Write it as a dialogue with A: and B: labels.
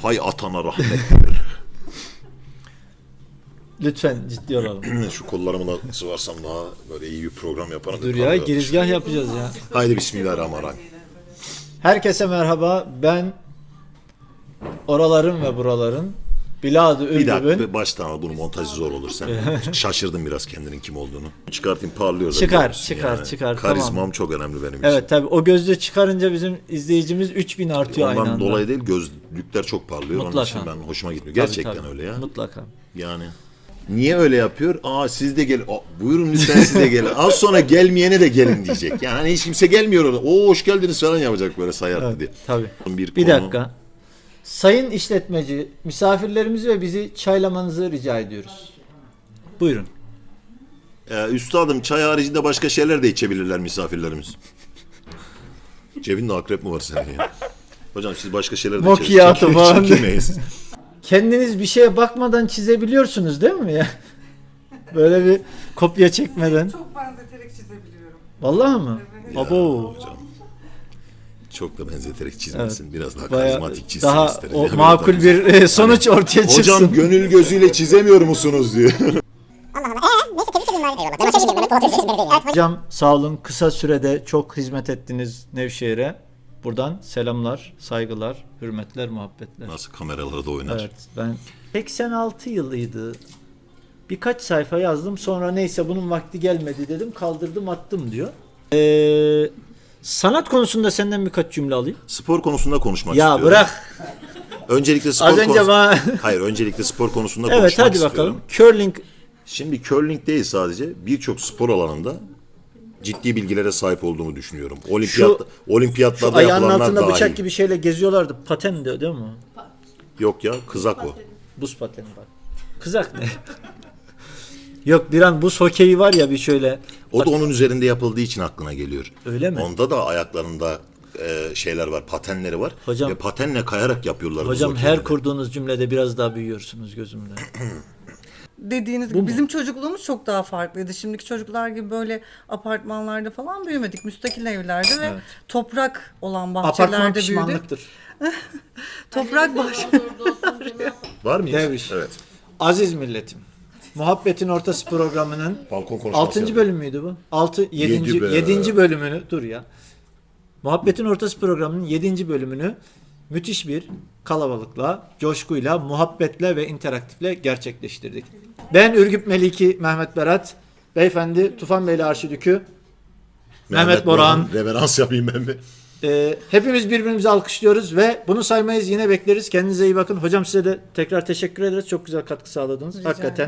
A: Hay atana rahmet.
B: Lütfen ciddi olalım.
A: Şu kollarımı da sıvarsam daha böyle iyi bir program yaparım.
B: Dur ya, girizgah yapacağız ya.
A: Haydi bismillahirrahmanirrahim.
B: Herkese merhaba. Ben oraların ve buraların Bilad-ı
A: Bir dakika
B: Ürdüb'ün...
A: baştan al, bunu montajı zor olur sen. Şaşırdım biraz kendinin kim olduğunu. Çıkartayım, parlıyor da
B: Çıkar,
A: biliyorsun
B: çıkar,
A: Karizmam
B: tamam.
A: çok önemli benim için.
B: Evet tabi, o gözlüğü çıkarınca bizim izleyicimiz 3000 artıyor aynı
A: Ondan
B: anda.
A: dolayı değil, gözlükler çok parlıyor. Onun
B: Mutlaka.
A: için ben hoşuma gitmiyor.
B: Tabii,
A: Gerçekten
B: tabii.
A: öyle ya.
B: Mutlaka.
A: Yani niye öyle yapıyor? Siz de gelin. Buyurun lütfen siz de gelin. Az sonra gelmeyene de gelin diyecek. Yani hani hiç kimse gelmiyor orada. Hoş geldiniz falan yapacak böyle sayardı
B: Evet,
A: diye.
B: tabii.
A: Bir
B: Bir
A: konu-
B: dakika. Sayın işletmeci, misafirlerimizi ve bizi çaylamanızı rica ediyoruz. Buyurun.
A: Üstadım, çay haricinde başka şeyler de içebilirler misafirlerimiz. Cebinde akrep mi var senin ya? Hocam siz başka şeyler de
B: Macchiato falan.
A: Çekemeyiz.
B: Kendiniz bir şeye bakmadan çizebiliyorsunuz değil mi ya? Böyle bir kopya çekmeden.
C: Çok benzeterek çizebiliyorum.
B: Vallahi mı?
C: Evet.
B: Abo.
A: Hocam, çok da benzeterek çizmesin.
B: Evet.
A: Biraz daha
B: Bayağı
A: karizmatik çizsin
B: daha
A: isterim.
B: o
A: Ya,
B: makul
A: biraz
B: bir sonuç ortaya çıksın.
A: Hocam gönül gözüyle çizemiyor musunuz diyor.
D: Neyse tebrik edeyim bari. Eyvallah. Ben o çeşitli Mehmet Polat Özdeşimleri değil yani.
B: Hocam sağ olun, kısa sürede çok hizmet ettiniz Nevşehir'e. Buradan selamlar, saygılar, hürmetler, muhabbetler.
A: Nasıl kameralarda oynar.
B: Evet, ben 86 yılıydı. Birkaç sayfa yazdım, sonra neyse bunun vakti gelmedi dedim, kaldırdım attım diyor. Sanat konusunda senden birkaç cümle alayım.
A: Spor konusunda konuşmak
B: Ya
A: istiyorum.
B: bırak.
A: Öncelikle spor
B: Az önce bana...
A: Hayır, öncelikle spor konusunda
B: Evet,
A: konuşmak
B: hadi
A: istiyorum.
B: bakalım. Curling.
A: Şimdi curling değil sadece, birçok spor alanında ciddi bilgilere sahip olduğumu düşünüyorum.
B: Şu
A: Olimpiyatlarda
B: ayağının
A: yapılanlar
B: altında
A: dahil.
B: bıçak gibi şeyle geziyorlardı. Paten de değil mi?
A: Yok ya, kızak o.
B: Buz pateni bak. Kızak ne? Yok, bir an buz hokeyi var ya, bir şöyle.
A: O da onun üzerinde yapıldığı için aklına geliyor.
B: Öyle mi?
A: Onda da ayaklarında şeyler var, patenleri var.
B: Hocam-
A: Ve patenle kayarak yapıyorlar.
B: Hocam
A: buz
B: her
A: hokeyini.
B: kurduğunuz cümlede biraz daha büyüyorsunuz gözümde.
C: Dediğiniz
B: Bu
C: gibi
B: mu?
C: bizim çocukluğumuz çok daha farklıydı. Şimdiki çocuklar gibi böyle apartmanlarda falan büyümedik. Müstakil evlerde ve
B: Evet.
C: toprak olan
B: Apartman
C: bahçelerde büyüdük.
B: pişmanlıktır.
C: Toprak bahçe.
A: Var mıyız?
B: Devriş.
A: Evet.
B: Aziz milletim. Muhabbetin Ortası programının
A: Balkon konuşması
B: 6.
A: yapıyor.
B: bölüm müydü bu? 7.
A: Yedi be.
B: 7. bölümünü dur ya. Muhabbetin Ortası programının 7. bölümünü müthiş bir kalabalıkla, coşkuyla, muhabbetle ve interaktifle gerçekleştirdik. Ben Ürgüp Meliki Mehmet Berat, beyefendi Tufan Beyli Arşidükü, Mehmet Boran.
A: Reverans yapayım ben bir.
B: Hepimiz birbirimizi alkışlıyoruz ve bunu saymayız, yine bekleriz. Kendinize iyi bakın. Hocam size de tekrar teşekkür ederiz. Çok güzel katkı sağladınız.
C: Rica
B: Hakikaten.